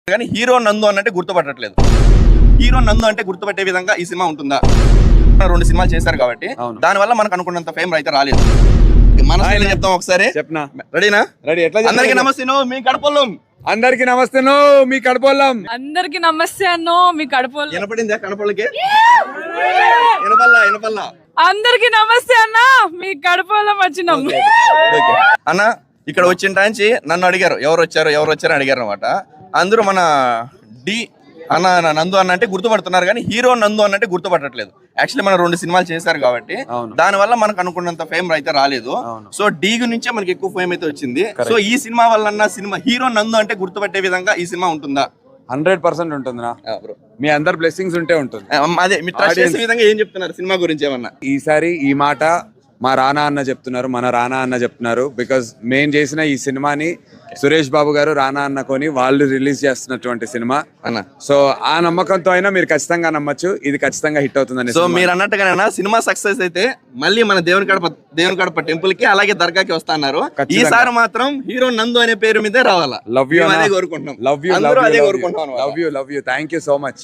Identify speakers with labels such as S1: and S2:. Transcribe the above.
S1: కానీ హీరో నందు అన్నట్టే గుర్తుపట్టట్లేదు. హీరో నందు అంటే గుర్తుపట్టే విధంగా ఈ సినిమా ఉంటుందా? 2 సినిమాలు చేశారు కాబట్టి దాని వల్ల మనకు అనుకున్నంత ఫేమ్ అయితే రాలేదు. మన చెప్తాం ఒకసారి.
S2: చెప్పనా?
S1: రెడీనా?
S2: రెడీ. ఎట్లా?
S1: అందరికీ నమస్తే, మీ కడపల్లం.
S2: అందరికి నమస్తే, మీ కడపల్లం.
S3: అందరికి నమస్తే అన్నో, మీ కడపల్లం.
S1: వినపడిందా? కడపల్లకి వినపల్లా.
S3: అందరికి నమస్తే అన్న, మీ కడపల్లం వచ్చినాం.
S1: అన్న ఇక్కడ వచ్చిన టాంచి నన్ను అడిగారు ఎవరు వచ్చారు అడిగారు అనమాట. అందరూ మన డి అన్న నందు అన్న అంటే గుర్తుపడుతున్నారు కానీ హీరో నందు అన్నట్టే గుర్తుపట్టట్లేదు. యాక్చువల్లీ మనం 2 సినిమాలు చేశారు కాబట్టి దాని వల్ల మనకు అనుకున్నంత ఫేమ్ అయితే రాలేదు. సో డి నుంచే మనకి ఎక్కువ ఫేమ్ అయితే వచ్చింది. సో ఈ సినిమా వల్ల సినిమా హీరో నందు అంటే గుర్తుపట్టే విధంగా ఈ సినిమా ఉంటుందా?
S2: 100% ఉంటుంది. మీ అందరు బ్లెస్సింగ్స్ ఉంటే ఉంటుంది.
S1: అదే మీరు ట్రస్ట్ చేసే విధంగా ఏం చెప్తున్నారు సినిమా గురించి ఏమన్నా?
S2: ఈసారి ఈ మాట మా రానా అన్న చెప్తున్నారు, మన రానా అన్న చెప్తున్నారు. బికాజ్ మేము చేసిన ఈ సినిమాని సురేష్ బాబు గారు రానా అన్న కొని వాళ్ళు రిలీజ్ చేస్తున్నటువంటి సినిమా
S1: అన్న.
S2: సో ఆ నమ్మకంతో అయినా మీరు ఖచ్చితంగా నమ్మచ్చు, ఇది ఖచ్చితంగా హిట్ అవుతుందని.
S1: సో మీరు అన్నట్టుగానే సినిమా సక్సెస్ అయితే మళ్ళీ మన దేవుని కడప టెంపుల్ కి అలాగే దర్గాకి వస్తా అన్నారు. ఈసారి మాత్రం హీరో నందు అనే పేరు మీదే రావాలా.
S2: లవ్ యూ,
S1: అదే కోరుకుంటున్నాం.
S2: లవ్ యూ,
S1: అదే కోరుకుంటున్నాం.
S2: Love you. Thank you so much.